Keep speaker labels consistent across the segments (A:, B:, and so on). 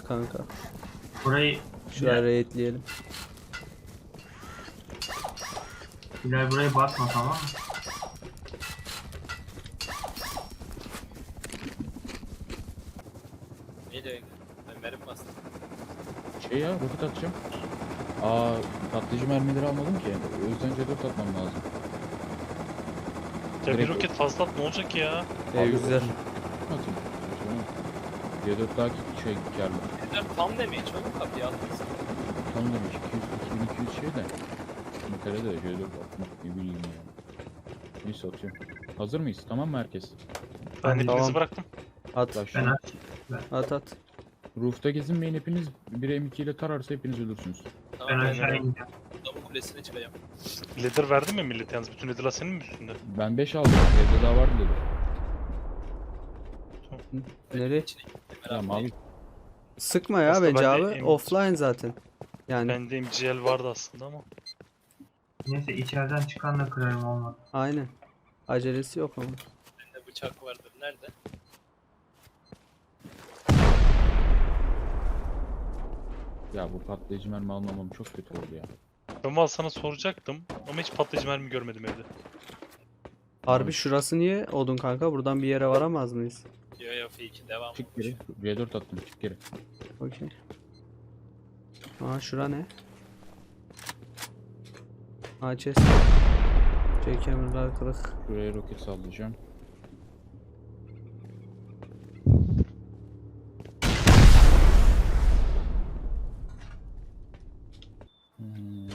A: kanka.
B: Burayı
A: Şuraya raidleyelim.
B: Bilal buraya basma, tamam mı?
C: Neyle? Ben verim bastım.
D: Şey ya, roket atacağım. Aa, patlayıcı mermileri almadım ki. O yüzden C4 atmam lazım.
E: Ya bir
D: Direkt-
E: roket fazla at ne olacak ki ya?
A: Güzel.
D: Atayım. C4 daha şey karlı.
C: Bizden tam demeyi çok kapıya atmışsın.
D: Tam demiş 200 şey de. Metal'e de C4 atmak ne bileyim ya. Neyse atıyorum. Hazır mıyız? Tamam mı herkes?
E: Ben
A: Tamam.
E: hepinizi bıraktım.
A: At.
D: Başla.
A: At at.
D: Roof'ta gezinmeyin, hepiniz bir M2 ile tararsa hepiniz ölürsünüz.
B: Ben
C: Tamam,
B: aşağı
E: ben-
B: ineceğim.
C: adamın kulesine çıkacağım.
E: Leader verdin mi millet yalnız? Bütün leader'lar senin mi üstünde?
D: Ben 5 aldım. Evde daha vardı dedi.
A: Nereye?
C: İçine gittim,
D: Tamam
C: beraber.
D: abi.
A: Sıkma ya
E: Aslında
A: bence
E: ben de
A: abi.
E: em-
A: Offline zaten. Yani
E: Bende MGL vardı aslında ama.
B: Neyse içeriden çıkanla kırarım, olmadı.
A: aynen. Acelesi yok ama.
C: Bende bıçak vardır. Nerede?
D: Ya bu patlayıcı mermi almamam çok kötü oldu ya.
E: Ben valla sana soracaktım ama hiç patlayıcı mermi görmedim evde.
A: Harbi şurası niye odun kanka? Buradan bir yere varamaz mıyız?
C: Yo yo F2 devam.
D: Çık geri. C4 attım, çık geri.
A: Okey. Aa şura ne? Aa chest. Jackhammer'lar kırık.
D: Şuraya roket sallayacağım. Hmm.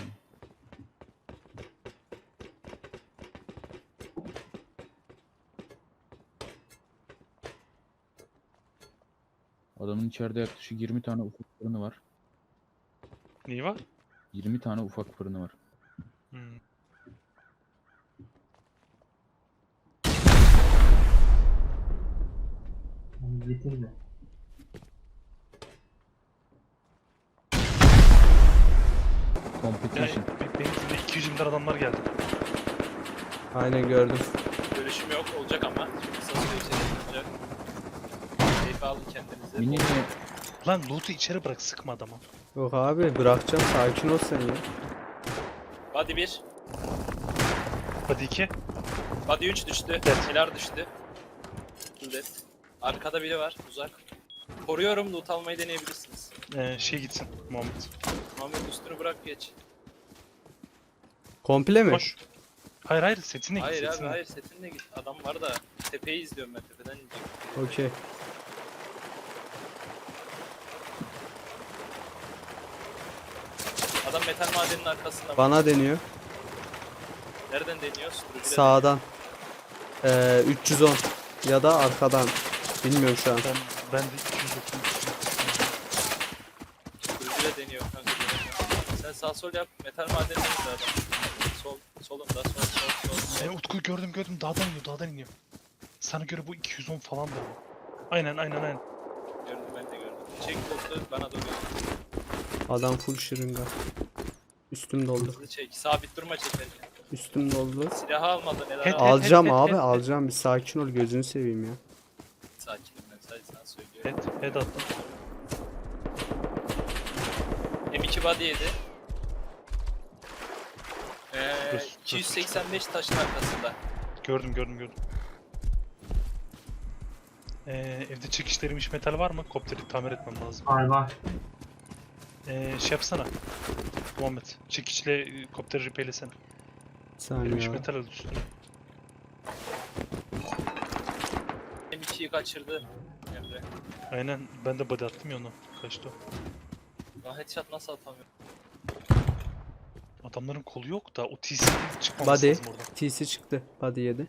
D: Adamın içeride yaklaşık 20 tane ufak fırını var.
E: Neyi var?
D: 20 tane ufak fırını var.
E: Hmm.
B: Onu bitir de.
E: Yani
D: Competition.
E: benim üstümde 220 tane adamlar geldi.
A: Aynen gördüm.
C: Görüşüm yok olacak ama. Kısa süre içerisinde olacak. Keyif alın kendinize.
D: Mini
E: Lan loot'u içeri bırak, sıkma adama.
A: Yok abi bırakacağım, sakin ol sen ya.
C: Body 1.
E: Hadi 2.
C: Body 3 düştü.
E: Evet.
C: Silah düştü. Millet. Arkada biri var. Uzak. Koruyorum. Loot almayı deneyebilirsiniz.
E: Şey gitsin Muhammed.
C: Muhammed üstünü bırak geç.
A: Komple mi?
E: Koş. Hayır hayır, setine git,
C: Hayır abi
E: setine.
C: hayır setinle git. Adam var da tepeyi izliyorum ben, tepeden ineceğim.
A: Okey.
C: Adam metal madeninin arkasında.
A: Bana deniyor.
C: Nereden deniyor? Sürücüyle
A: Sağdan. 310 ya da arkadan. Bilmiyorum şu an.
E: Ben de 230.
C: Sürücüyle deniyor kanka. Sen sağ sol yap. Metal madeninin izle adam. Sol. Solunda sol.
E: Utku gördüm dağdan iniyor. Sana göre bu 210 falan da bu. Aynen.
C: Gördüm, ben de gördüm. Çek botu bana doğru.
A: Adam full şırınga. Üstüm doldu.
C: Hızlı çek. Sabit durma çekerken.
A: Üstüm doldu.
C: Silahı almadın
E: Het,
C: helal.
A: Alacağım
E: het,
A: abi
E: het,
A: alacağım. Bir sakin ol, gözünü seveyim ya.
C: Sakinim ben, sadece sana söylüyorum.
E: Head attım.
C: M2 body yedi.
E: Dur.
C: 285 taşın arkasında.
E: Gördüm. Evde çekişlerilmiş metal var mı? Kopteri tamir etmem lazım.
B: Var.
E: Şey yapsana. Muhammed. Çekiçle kopteri repaylesene.
A: Bir saniye
E: Erimiş
A: ya.
E: metal al üstüne.
C: M2'yi kaçırdı. Emre.
E: Aynen, ben de body attım ya onu. Kaçtı o.
C: Lan headshot nasıl atamıyor?
E: Adamların kolu yok da o TC çıkmaması
A: Body.
E: lazım oradan.
A: TC çıktı. Body yedi.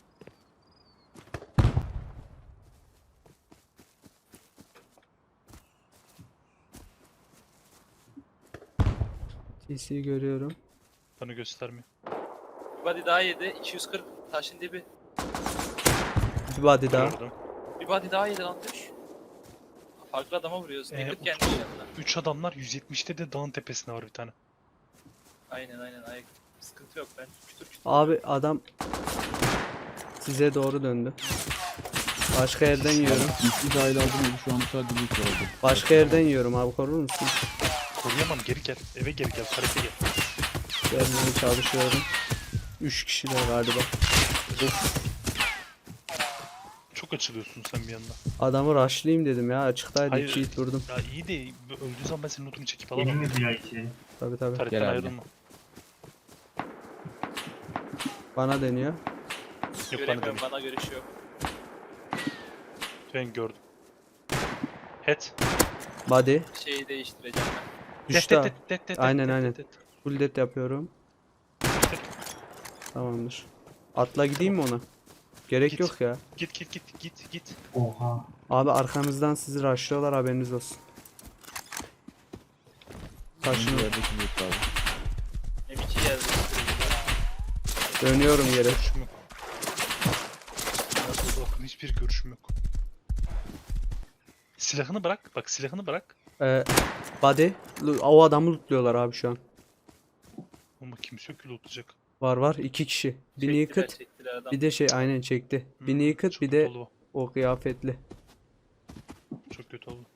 A: TC'yi görüyorum.
E: Bana göstermiyor.
C: Bir body daha yedi. 240 taşın dibi.
A: Bir body daha.
E: Gördüm.
C: Bir body daha yedi lan düş. Farklı adama vuruyoruz. Naked gelmiş yanına.
E: 3 adamlar 170'te de dağın tepesinde var bir tane.
C: Aynen ayak. Sıkıntı yok ben. Kütür kütür.
A: Abi adam size doğru döndü. Başka yerden yiyorum.
D: İki dahil aldım ya şu an sadece bir kere oldu.
A: Başka yerden yiyorum abi, korur musun?
E: Koruyamam, geri gel. Eve geri gel, karate gel.
A: Gelmeye çalışıyorum. 3 kişiler galiba.
E: Çok açılıyorsun sen bir yandan.
A: Adamı rushlayayım dedim ya, açıktaydı,
E: Hayır.
A: 2 hit vurdum.
E: Ya iyi de öldüğü zaman ben senin lootunu çekip
B: Benim
E: alamam.
B: mi diyor içeri?
A: Tabi tabi.
E: Taretten
D: Gel abi.
E: ayrılma.
A: Bana deniyor.
E: Yok bana
C: Göremiyorum,
E: dönüyor.
C: bana görüş yok.
E: Ben gördüm. Head.
A: Body.
C: Şeyi değiştireceğim ben.
A: Düştü. ha. Aynen,
E: det,
A: aynen.
E: det.
A: Full death yapıyorum. Tamamdır. Atla gideyim mi ona? Gerek
E: Git.
A: yok ya.
E: Git.
B: Oha.
A: Abi arkanızdan sizi rushlıyorlar, haberiniz olsun. Taşın.
D: Şimdi yerdeki bir abi.
C: M2 geldi.
A: Dönüyorum yere.
E: Görüşüm yok. Nasıl bakın, hiçbir görüşüm yok. Silahını bırak. Bak silahını bırak.
A: Body. O adamı lootluyorlar abi şu an.
E: Ama kimse yok ki lootlayacak.
A: Var 2 kişi. Bir naked,
C: Çektiler adam.
A: bir de şey aynen çekti. Bir naked,
E: Çok
A: bir
E: kötü
A: de
E: oldu
A: o kıyafetli.
E: bu. Çok kötü oldu.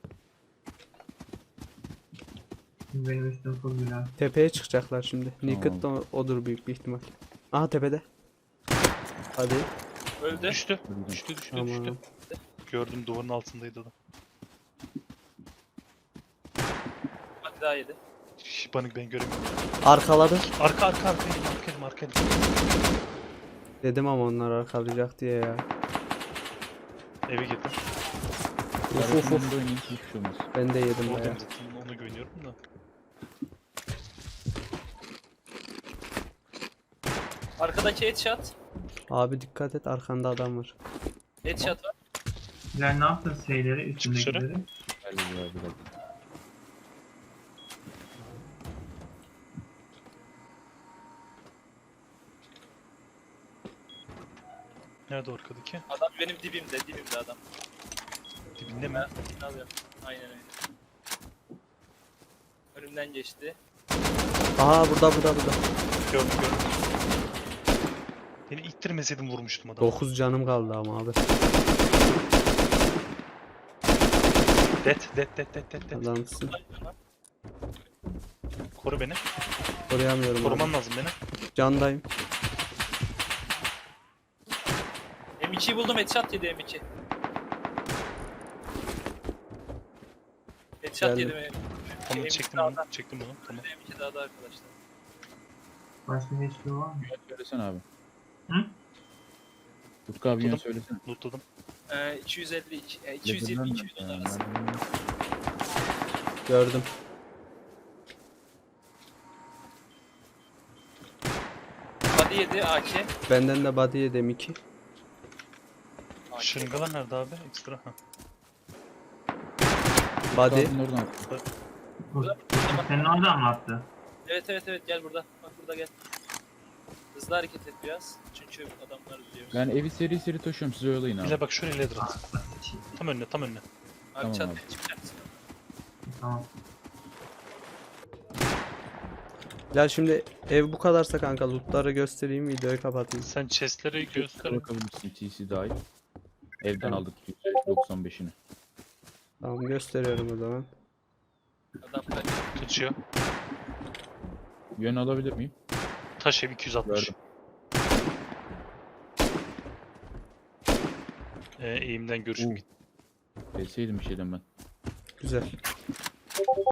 B: Şimdi benim üstüm full bina.
A: Tepeye çıkacaklar şimdi.
D: Tamam.
A: Naked da odur büyük bir ihtimal. Aha tepede. Hadi.
C: Öldü.
E: Düştü.
D: Öldü.
E: Düştü.
A: Tamam.
E: Gördüm, duvarın altındaydı adam.
C: Hadi daha yedi.
E: Şş, ben göremiyorum.
A: Arkaladı.
E: Arka elim.
A: Dedim ama onlar arkalayacak diye ya.
E: Eve girdim.
A: Uf uf uf.
D: Arasında oynayın hiçbir şey olmaz.
A: Ben de yedim
E: Oradayım
A: bayağı.
E: zaten, ona güveniyorum da.
C: Arkadaki headshot.
A: Abi dikkat et, arkanda adam var.
C: Headshot var.
B: Sizler ne yaptın şeyleri,
E: Çık dışarı.
B: üstündekileri?
D: Gel ya bir dakika.
E: Nerede o arkadaki?
C: Adam benim dibimde adam.
E: Dibinde mi?
C: Ben alıyorum. Aynen öyle. Önümden geçti.
A: Aha burada.
E: Gördüm. Beni ittirmeseydim vurmuştum adamı.
A: 9 canım kaldı ama abi.
E: Det.
A: Adamsın.
E: Koru beni.
A: Koruyamıyorum
E: Koruman
A: abi.
E: lazım beni.
A: Candayım.
C: M2'yi buldum, headshot yedi M2. Headshot
A: Geldim.
C: yedi mi?
E: Tamam
C: M2
E: çektim
C: dağda.
E: bunu. Çektim bunu. Tamam.
C: M2 dağda arkadaşlar.
B: Başka hiçbir şey var mı?
D: Yön söylesene abi.
B: Hı?
D: Utku abi yön
E: Tuttum.
D: söylesene.
E: Lootladım.
C: 252,
D: Lezzetinden
C: 220,
D: mi?
C: 200 arası.
A: Gördüm.
C: Body yedi AK.
A: Benden de body yedim 2.
C: AK.
E: Şırıngalar nerede abi? Ekstra. Ha.
A: Body.
D: Utku abinin oradan attı.
B: Senin oradan mı attı?
C: Evet gel burada. Bak burada gel. Hızlı hareket et biraz. Çünkü adamlar biliyor.
D: Ben evi seri taşıyorum, siz oyalayın abi.
E: Bile bak şöyle ladder at.
B: Şey,
E: Tam önüne.
C: Abi
D: Tamam
C: çat
D: abi.
C: çıkacaksın.
B: Tamam.
A: Ya şimdi ev bu kadarsa kanka, lootları göstereyim, videoyu kapatayım.
E: Sen chestleri göster.
D: Bakabilirsin, TC dahil. Evden
A: Tamam.
D: aldık %95'ini.
A: Tamam, gösteriyorum o zaman.
C: Adam kaç.
E: Kaçıyor.
D: Yön alabilir miyim?
E: Taş ev 260.
D: Gördüm.
E: Eğimden görüşüm
D: Deseydim bir şeyden ben.
A: Güzel.